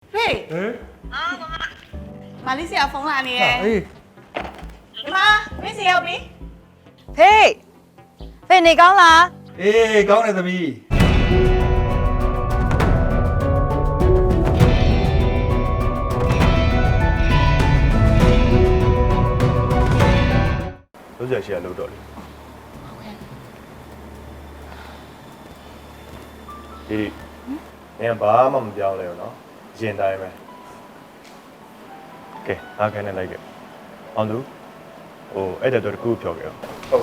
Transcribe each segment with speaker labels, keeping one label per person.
Speaker 1: ဖေမာလေးဆရာဖုန်းလာနေရဲ့ဒီမှာမင်းစီရောက်ပြီ
Speaker 2: ဖေနေကောင်းလား
Speaker 3: အေးကောင်းတယ်သမီးလို့ရရှိရလို့တော့လေဒီနေဘာမှမပြောင်းလဲဘူးနော်ရင်တိုင်းပဲကဲအားကနေလိုက်ခဲ့အောင်သူဟိုအဲ့တဲ့တော့တကူဖြောခဲ့ဟုတ်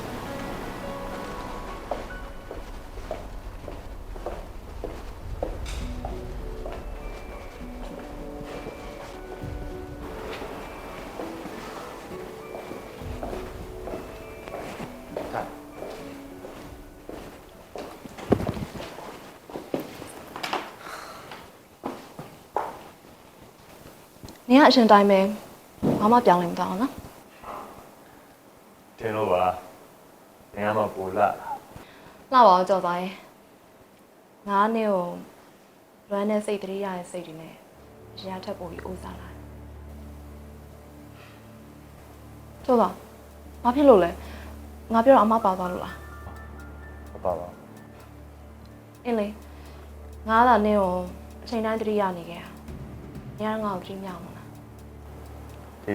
Speaker 2: နင်ကအရှင်တိုင်းပဲဘာမှပြောင်းလဲမသွားအောင်နော်
Speaker 3: တင်လို့ပါနေရာမှာပူလာ
Speaker 2: လှပါအောင်ကြော်သွားရင်ငါနဲ့ကိုလွမ်းတဲ့စိတ်တရေရတဲ့စိတ်တွေနဲ့ရထက်ပိုပြီးအိုးစားလာကြော်သွားဘာဖြစ်လို့လဲငါပြောတော့အမပါသွားလို့လား
Speaker 3: မပါပါ
Speaker 2: အင်းလေငါကနင်ကိုအချိန်တိုင်းတရေရနေခဲ့ရငါ့ကိုကြည့်မြောက်မလား
Speaker 3: ဒီ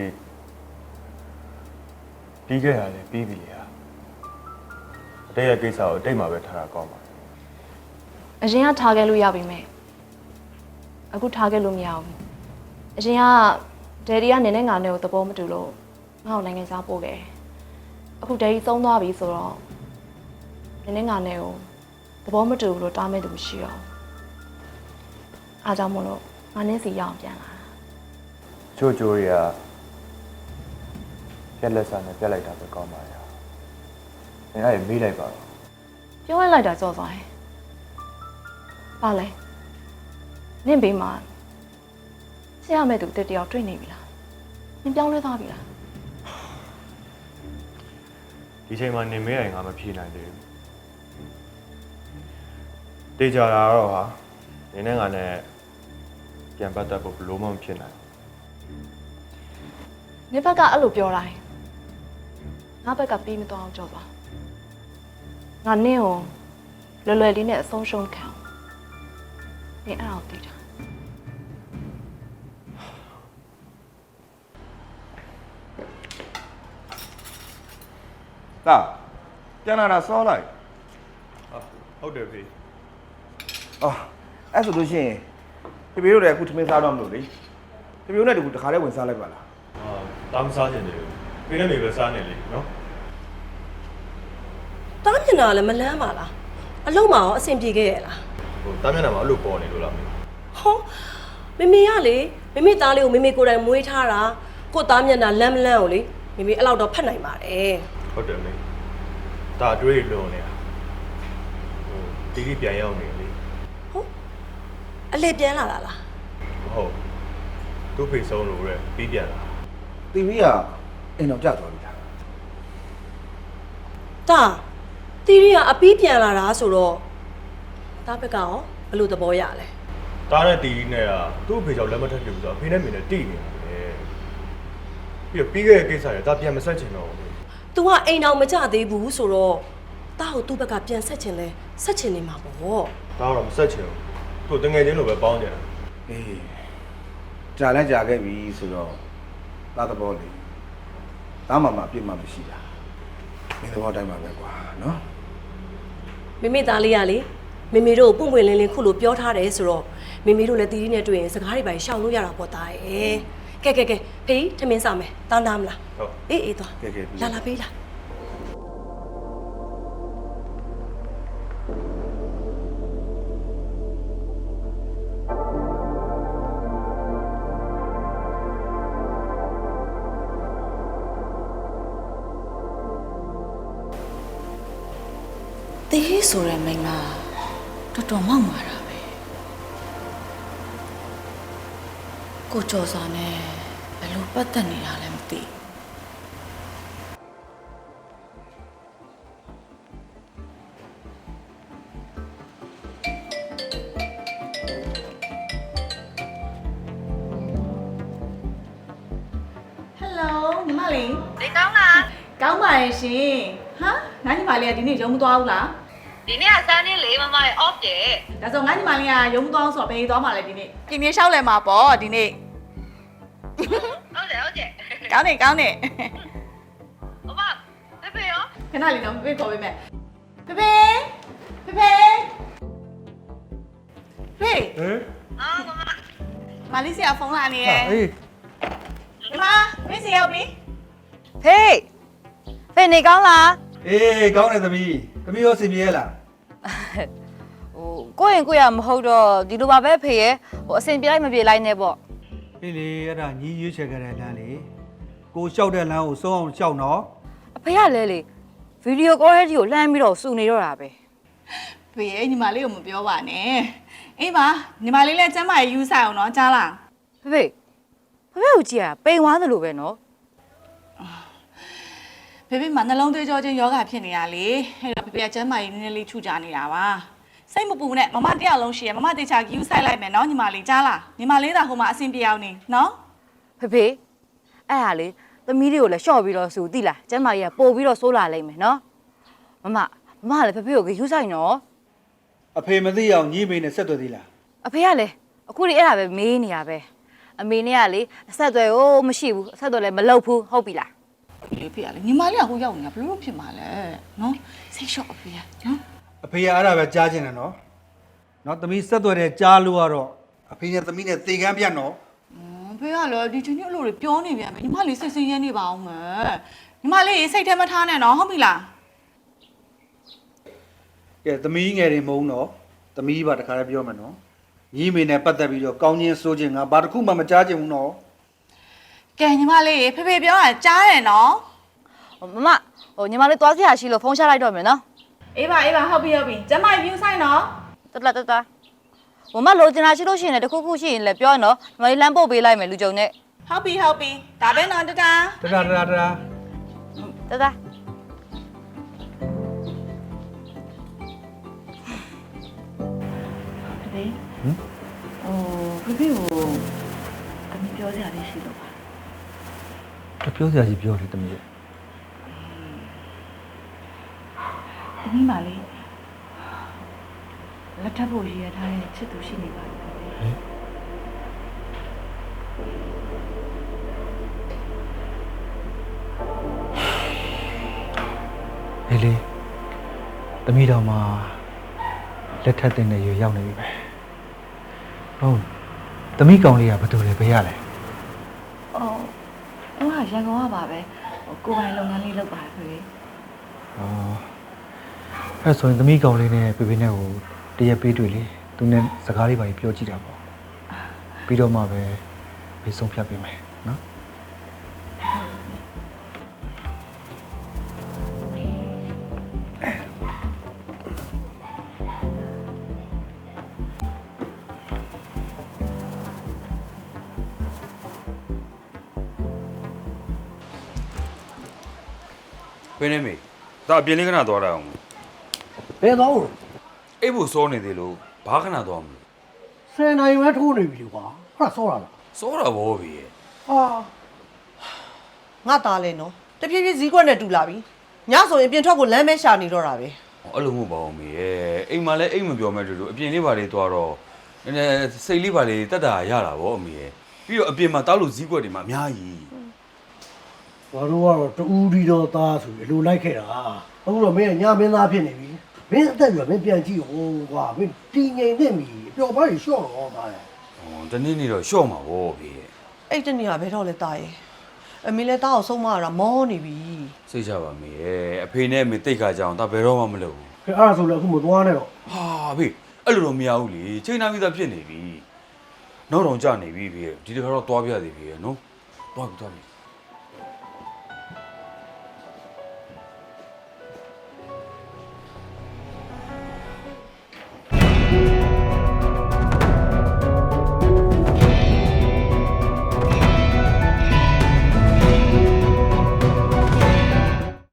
Speaker 3: ပြီးခဲ့ရတယ်ပြီးပြီလေဟာအတိတ်ရဲ့ကိစ္စကိုအတိတ်မှာပဲထားတာကောင်းပါ
Speaker 2: အရင်ကထားခဲ့လို့ရပြီမဲ့အခုထားခဲ့လို့မရဘူးအရင်ကဒယ်ဒီကနင်နဲ့ငါနဲ့ကိုသဘောမတူလို့ငါ့ကိုနိုင်ငံခြားပို့ခဲ့အခုဒယ်ဒီသုံးသွားပြီဆိုတော့နင်နဲ့ငါနဲ့ကိုသဘောမတူဘူးလို့တားမဲ့သူမရှိတော့အားကြောင့်မလို့ငါနဲ့စီရအောင်ပြန်လာ
Speaker 3: ချိုးချိုးတွေကပြက်လက်စားနဲ့ပြက်လိုက်တာပဲကောင်းပါရဲ့နေရာမေးလိုက်ပါတော့
Speaker 2: ပြောလိုက်တာကြောက်သွားရင်ပါလဲနင့်ဘေးမှာဆရာမဲ့သူတက်တယောက်တွေ့နေပြီလားနင်ပြောင်းလဲသွားပြီလား
Speaker 3: ဒီချိန်မှာနေမေးရင်ငါမဖြေနိုင်သေးဘူးတေချာတာတော့ဟာနေနဲ့ငါနဲ့ပြန်ပတ်သက်ဖို့ဘလို့မှမဖြစ်နိုင်
Speaker 2: နင်ဘက်ကအဲ့လိုပြောတိုင်းငါဘက်ကပြီးမသွားအောင်ကြောက်ပါငါနင့်ကိုလွယ်လွယ်လေးနဲ့အဆုံးရှုံးခံနင်အဲ့ဒါကိုသိတာ
Speaker 4: တာပြန်လာတာစောလိုက်
Speaker 3: ဟုတ်တယ်ဖေ
Speaker 4: အော်အဲ့ဆိုလို့ရှိရင်ဖေဖေတို့လည်းအခုထမင်းစားတော့မလို့လေဖေဖေတို့နဲ့တကူတခါတည်းဝင်စားလိုက်ပါလား
Speaker 3: တားမစားချင်တယ်ဖေနဲ့မေပဲစားနေလေနော်
Speaker 5: တားမျက်နှာလည်းမလန်းပါလားအလုံးမအောင်အဆင်ပြေခဲ့ရလား
Speaker 3: ဟိုတားမျက်နှာမှာအဲ့လိုပေါ်နေလို့လားမေ
Speaker 5: ဟောမေမေရလေမေမေသားလေးကိုမေမေကိုယ်တိုင်မွေးထားတာကို့သားမျက်နှာလန်းမလန်းကိုလေမေမေအဲ့လောက်တော့ဖတ်နိုင်ပါတယ်
Speaker 3: ဟုတ်တယ်မေဒါအတွေ့လွန်နေတာဟိုတီတီပြန်ရောက်နေလေ
Speaker 5: ဟုတ်အလေပြန်လာတာလား
Speaker 3: ဟုတ်သူ့ဖေဆုံးလို့ရဲပြီးပြန်လာ
Speaker 4: တီဗီကအိမ်တော်ကြသွားပြီလား
Speaker 5: တာတီရီကအပီးပြန်လာတာဆိုတော့တားဘက်ကရောဘယ်လိုသဘောရလဲ
Speaker 3: တားတဲ့တီတီနဲ့ကသူ့ဖေကြောင့်လက်မထက်ပြဘူးဆိုတော့အဖေနဲ့မင်းနဲ့တိနေတယ်ပြီးခဲ့တဲ့ကိစ္စတွေဒါပြန်မဆက်ချင်တော့ဘူး
Speaker 5: ။ तू ကအိမ်တော်မကြသေးဘူးဆိုတော့တားကိုသူ့ဘက်ကပြန်ဆက်ချင်လဲဆက်ချင်နေမှာပေါ့
Speaker 3: ။ဒါတော့မဆက်ချင်ဘူး။သူ့တငယ်ချင်းလိုပဲပေါင်းကြတာ
Speaker 4: ။အေးကြာလဲကြာခဲ့ပြီဆိုတော့သားသဘောလေးသားမမအပြစ်မှမရှိတာ။မင်းသဘောတိုင်းပါပဲကွာနော်
Speaker 5: ။မိမိသားလေးကလေမိမိတို့ပုံပွင့်လင်းလင်းခုလိုပြောထားတယ်ဆိုတော့မိမိတို့လည်းတီးတီးနဲ့တွေ့ရင်စကားတွေပဲရှောင်လို့ရတာပေါ့သားရဲ့။ကဲဖေးထမင်းစားမယ်။တောင်းတမလား
Speaker 3: ။ဟုတ်
Speaker 5: ။အေးသွား။လာပေးလာ
Speaker 1: တေးဆိုရယ်မိန်းမတော်တော်မောက်မာတာပဲကိုကျော်စာနဲ့ဘယ်လိုပတ်သက်နေတာလဲမသိ
Speaker 6: လေး
Speaker 7: ဒီကောင်းလား
Speaker 6: ကောင်းပါရဲ့ရှင်ဟာငါညီမလေးကဒီနေ့ရုံမသွားဘူးလား
Speaker 7: ဒီနေ့ကစမ်းနေလေမမရဲ့ off တယ်
Speaker 6: ဒါဆိုငါညီမလေးကရုံမသွားအောင်ဆိုတော့ဘယ်သွားမှာလဲဒီနေ့ပြင်းပြင်းလျှောက်လဲမှာပေါ့ဒီနေ့
Speaker 7: ဟုတ်တယ်ဟုတ်တယ်
Speaker 6: ကောင်းနေကောင်းနေ
Speaker 7: မမဖေဖေရော
Speaker 6: ခဏလေးတော့ဖေခေါ်ပေးမယ်ဖေဖေဖေဖေဖေ
Speaker 3: ဟမ်
Speaker 7: အော်မမ
Speaker 6: မလေးစီကဖုန်းလာနေတယ်
Speaker 3: အေး
Speaker 6: ဒီမှာမင်းစီရောက်ပြီ
Speaker 1: ဖေးဖေးနေကောင်းလား
Speaker 4: အေးကောင်းတယ်သမီးရောစင်ပြေရလား
Speaker 1: ဟိုကိုယ့်ရင်ကိုယ့်ရမဟုတ်တော့ဒီလိုပါပဲဖေးရဲ့ဟိုအစင်ပြေလိုက်မပြေလိုက်နဲ့ပေါ့
Speaker 8: အေးလေအဲ့ဒါညီရွေးချယ်ခဲ့တဲ့လမ်းလေကိုလျှောက်တဲ့လမ်းကိုစုံအောင်လျှောက်နော်
Speaker 1: အဖေကလဲလေဗီဒီယိုကောရဲတီကိုလှမ်းပြီးတော့စုနေတော့တာပဲ
Speaker 6: ဖေရဲ့ညီမလေးကိုမပြောပါနဲ့အေးပါညီမလေးလည်းကျမ်းမာရေးယူဆိုင်အောင်နော်ကြားလား
Speaker 1: ဖေဖေကိုကြည့်ရပိန်သွားသလိုပဲနော်
Speaker 6: ဖေဖေမှာနှလုံးသွေးကြောချင်းယောဂဖြစ်နေရလေအဲ့တော့ဖေဖေကကျမ်းမာရေးနည်းနည်းလေးထူကြနေတာပါစိတ်မပူနဲ့မမတရားလုံးရှိရမမတေချာယူဆိုင်လိုက်မယ်နော်ညီမလေးကြားလားညီမလေးသာဟိုမှာအဆင်ပြေအောင်နေနော်
Speaker 1: ဖေဖေအဲ့ဟာလေသမီးတွေကိုလည်းရှော့ပြီးတော့စုသိလားကျမ်းမာကြီးကပို့ပြီးတော့ဆိုးလာလိမ့်မယ်နော်မမလည်းဖေဖေကိုယူဆိုင်နော်
Speaker 8: အဖေမသိအောင်ညီမေနဲ့ဆက်သွယ်သေးလား
Speaker 1: အဖေကလည်းအခုဒီအဲ့ဒါပဲမေးနေရပဲအမေနဲ့ကလေအဆက်အသွယ်ကိုမရှိဘူးအဆက်အသွယ်လည်းမလုပ်ဘူးဟုတ်ပြီလား
Speaker 6: လေဖေကလေညီမလေးကဟိုရောက်နေတာဘယ်လိုဖြစ်မှာလဲနော်စိတ်လျှော့အဖေကနော်
Speaker 8: အဖေကအဲ့ဒါပဲကြားချင်တယ်နော်သမီးဆက်သွယ်တဲ့ကြားလို့ကတော့အဖေနဲ့သမီးနဲ့သေကမ်းပြတ်နော်
Speaker 6: ဖေကလည်းဒီချင်းချင်းအလိုတွေပြောနေပြန်မယ်ညီမလေးစိတ်ဆင်းရဲနေပါအောင်မယ်ညီမလေးစိတ်ထဲမထားနဲ့နော်ဟုတ်ပြီလား
Speaker 8: ကဲသမီးငယ်တွေမုန်းတော့သမီးပါတခါလည်းပြောမယ်နော်ညီမေနဲ့ပတ်သက်ပြီးတော့ကောင်းချင်းစိုးချင်းငါဘာတစ်ခုမှမကြားချင်ဘူးနော်
Speaker 6: ကဲညီမလေးဖေဖေပြောတာကြားတယ်နော်
Speaker 1: မဟိုညီမလေးသွားစရာရှိလို့ဖုန်းချလိုက်တော့မယ်နော်
Speaker 6: အေးပါဟုတ်ပြီကျမယူဆိုင်နော်
Speaker 1: တဟိုမလိုချင်တာရှိလို့ရှိရင်လည်းတခုခုရှိရင်လည်းပြောနော်ညီမလေးလမ်းပို့ပေးလိုက်မယ်လူကြုံနဲ့
Speaker 6: ဟုတ်ပြီဒါပဲနော်တတာ
Speaker 8: တဒါ
Speaker 1: တ
Speaker 6: ဖေဖေကိုအမပြောစရာလေးရှိလို့ပါ
Speaker 8: ပြောစရာကြီးပြောလေသမီးရဲ့
Speaker 6: သမီးမလေးလက်ထပ်ဖို့ရည်ရထားတဲ့ချစ်သူရှိနေပါလား
Speaker 8: ဟေးလေသမီးတော်မှာလက်ထပ်တဲ့ရွယ်ရောက်နေပြီပဲဟုတ်သမီးကောင်လေးကဘာတူလဲဘယ်ရလဲ
Speaker 6: အော်အဲ့ဒါရန်ကုန်ကပါပဲကိုယ်ပိုင်လုပ်ငန်းလေးလုပ်ပါဖေဖေ
Speaker 8: အော်အဲ့ဆိုရင်သမီးကောင်လေးနဲ့ပေပေနဲ့ကိုတရက်ပေးတွေ့လေသူနဲ့စကားလေးပါပြောကြည့်တာပေါ့ပြီးတော့မှပဲဘေးဆုံးဖြတ်ပေးမယ်နော်
Speaker 9: ဘယ်နဲ့မေဒါအပြင်လေးခဏသွားတာအောင်
Speaker 10: ဘယ်တော့
Speaker 9: အိပ်ဖို့စောနေသေးလို့ဘာခဏသွားမလို့
Speaker 10: 10နိုင်ပဲထိုးနေပြီလေကွာဟာဆောတာလား
Speaker 9: စောတာဘောပြီရဲ့
Speaker 10: ဟာ
Speaker 11: ငါသားလဲနော်တဖြည်းဖြည်းဈေးကွက်နဲ့တူလာပြီညဆိုရင်ပြင်ထွက်ကိုလမ်းမဲရှာနေတော့တာပဲ
Speaker 9: အဲ့လိုမဟုတ်ပါဘူးမေရဲ့အိမ်မှာလည်းအိမ်မပြောမဲ့တူတူအပြင်လေးပါလေးသွားတော့နည်းနည်းစိတ်လေးပါလေးတက်တာရတာဗောအမေရဲ့ပြီးတော့အပြင်မှာတောက်လို့ဈေးကွက်တွေမှာအများကြီး
Speaker 10: ဘာလို့ကတော့တူးဒီတော့သားဆိုပြီးအလိုလိုက်ခဲ့တာအခုတော့မင်းကညမင်းသားဖြစ်နေပြီမင်းအသက်ကြီးကမင်းပြန်ကြည့်ဟိုကွာမင်းတီငိမ်နေပြီပျော်ပါးကြီးရှော့တော့သားရဲ့
Speaker 9: ဟောတနေ့နေ့တော့ရှော့မှာဗောပြီရဲ့
Speaker 11: အဲ့တနေ့ကဘယ်တော့လဲသားရဲ့အမေလည်းသားကိုဆုံးမရတာမောနေပြီ
Speaker 9: စိတ်ချပါမေရဲ့အဖေနဲ့အမေတိတ်ခါကြအောင်ဒါဘယ်တော့မှမလုပ်ဘူး
Speaker 10: အဲ့ဒါဆိုလည်းအခုမသွားနဲ့တော့
Speaker 9: ဟာဖေအဲ့လိုတော့မရဘူးလေချိန်နာပြီးသားဖြစ်နေပြီနောက်တော့ကြာနေပြီဖေဒီတခါတော့သွားပြသေးပြီရဲ့နော်သွားပြီ